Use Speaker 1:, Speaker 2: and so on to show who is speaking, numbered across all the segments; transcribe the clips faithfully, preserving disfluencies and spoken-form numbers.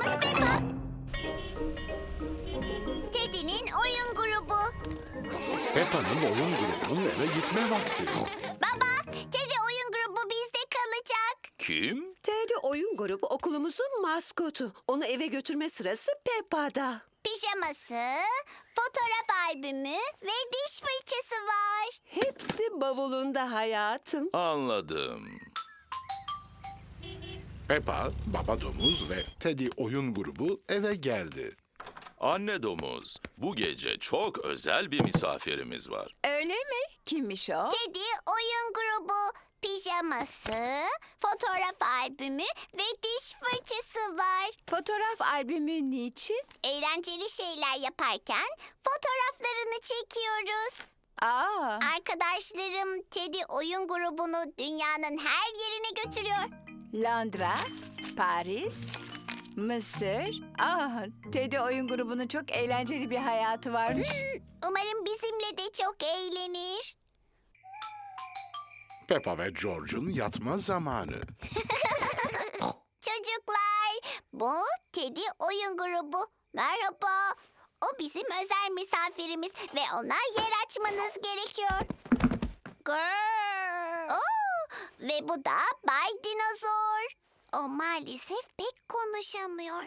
Speaker 1: Miss Peppa. Teddy'nin oyun grubu.
Speaker 2: Peppa'nın oyun grubunun eve gitme vakti.
Speaker 1: Baba, Teddy oyun grubu bizde kalacak.
Speaker 3: Kim?
Speaker 4: Teddy oyun grubu okulumuzun maskotu. Onu eve götürme sırası Peppa'da.
Speaker 1: Pijaması, fotoğraf albümü ve diş fırçası var.
Speaker 4: Hepsi bavulunda hayatım.
Speaker 3: Anladım.
Speaker 2: Peppa, baba domuz ve Teddy oyun grubu eve geldi.
Speaker 3: Anne domuz, bu gece çok özel bir misafirimiz var.
Speaker 5: Öyle mi? Kimmiş o?
Speaker 1: Teddy oyun grubu, pijaması, fotoğraf albümü ve diş fırçası var.
Speaker 5: Fotoğraf albümü niçin?
Speaker 1: Eğlenceli şeyler yaparken fotoğraflarını çekiyoruz.
Speaker 5: Aa,
Speaker 1: Arkadaşlarım Teddy oyun grubunu dünyanın her yerine götürüyor.
Speaker 5: Londra, Paris, Mısır. Aa, Teddy oyun grubunun çok eğlenceli bir hayatı varmış.
Speaker 1: Umarım bizimle de çok eğlenir.
Speaker 2: Peppa ve George'un yatma zamanı.
Speaker 1: Çocuklar, bu Teddy oyun grubu. Merhaba. O bizim özel misafirimiz ve ona yer açmanız gerekiyor. Oo, ve bu da Bay Dinozor. O maalesef pek konuşamıyor.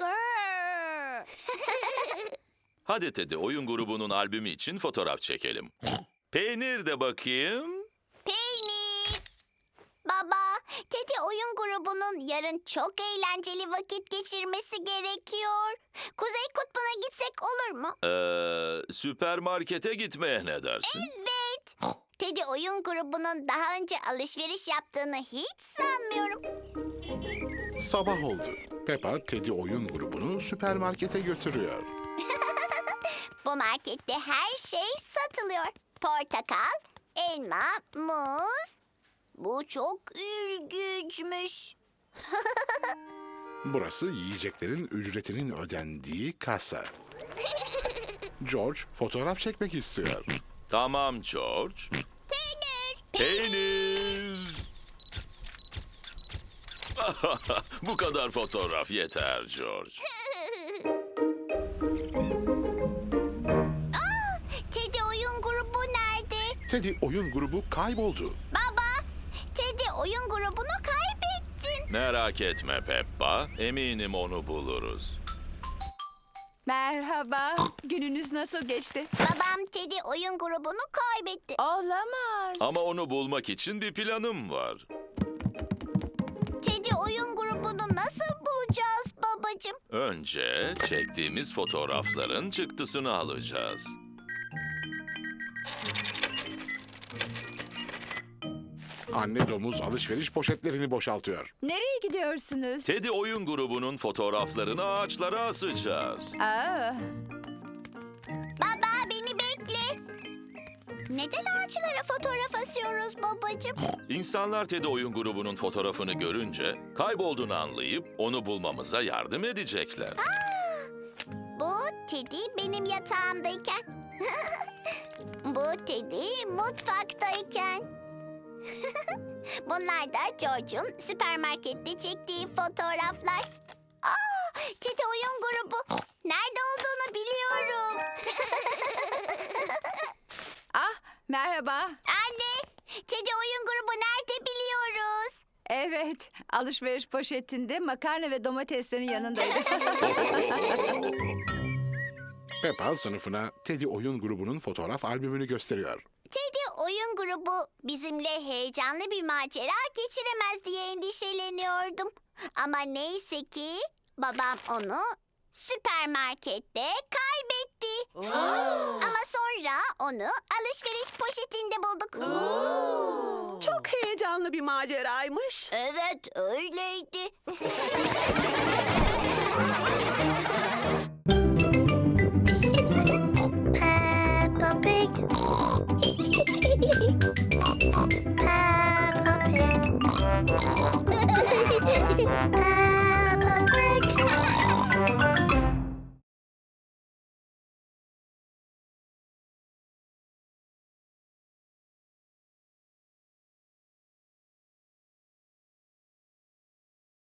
Speaker 3: Hadi Teddy oyun grubunun albümü için fotoğraf çekelim. Peynir de bakayım.
Speaker 1: Peynir. Baba, Teddy oyun grubunun yarın çok eğlenceli vakit geçirmesi gerekiyor. Kuzey Kutbu'na gitsek olur mu?
Speaker 3: Ee, süpermarkete gitmeye ne dersin?
Speaker 1: Evet. Teddy oyun grubunun daha önce alışveriş yaptığını hiç sanmıyorum.
Speaker 2: Sabah oldu. Peppa, Teddy oyun grubunu süpermarkete götürüyor.
Speaker 1: Bu markette her şey satılıyor. Portakal, elma, muz. Bu çok ilginçmiş.
Speaker 2: Burası yiyeceklerin ücretinin ödendiği kasa. George fotoğraf çekmek istiyor.
Speaker 3: Tamam George.
Speaker 1: Peynir.
Speaker 3: Peynir. Bu kadar fotoğraf yeter George.
Speaker 1: Teddy oyun grubu nerede?
Speaker 2: Teddy oyun grubu kayboldu.
Speaker 1: Baba, Teddy oyun grubunu kaybettin.
Speaker 3: Merak etme Peppa, eminim onu buluruz.
Speaker 5: Merhaba, gününüz nasıl geçti?
Speaker 1: Babam Teddy oyun grubunu kaybetti.
Speaker 5: Olamaz.
Speaker 3: Ama onu bulmak için bir planım var.
Speaker 1: Teddy oyun grubunu nasıl bulacağız babacığım?
Speaker 3: Önce çektiğimiz fotoğrafların çıktısını alacağız.
Speaker 2: Anne domuz alışveriş poşetlerini boşaltıyor.
Speaker 5: Nereye gidiyorsunuz?
Speaker 3: Teddy oyun grubunun fotoğraflarını ağaçlara asacağız.
Speaker 5: Aa,
Speaker 1: Baba beni bekle. Neden ağaçlara fotoğraf asıyoruz babacığım?
Speaker 3: İnsanlar Teddy oyun grubunun fotoğrafını görünce kaybolduğunu anlayıp onu bulmamıza yardım edecekler.
Speaker 1: Bu Teddy benim yatağımdayken. Bu Teddy mutfaktayken. Bunlar da George'un süpermarkette çektiği fotoğraflar. Aa, Teddy oyun grubu. Nerede olduğunu biliyorum.
Speaker 5: ah, merhaba.
Speaker 1: Anne, Teddy oyun grubu nerede biliyoruz.
Speaker 5: Evet, alışveriş poşetinde makarna ve domateslerin yanındaydı.
Speaker 2: Peppa sınıfına Teddy oyun grubunun fotoğraf albümünü gösteriyor.
Speaker 1: Teddy oyun grubu bizimle heyecanlı bir macera geçiremez diye endişeleniyordum. Ama neyse ki babam onu süpermarkette kaybetti. Ama sonra onu alışveriş poşetinde bulduk.
Speaker 4: Çok heyecanlı bir maceraymış.
Speaker 1: Evet, öyleydi.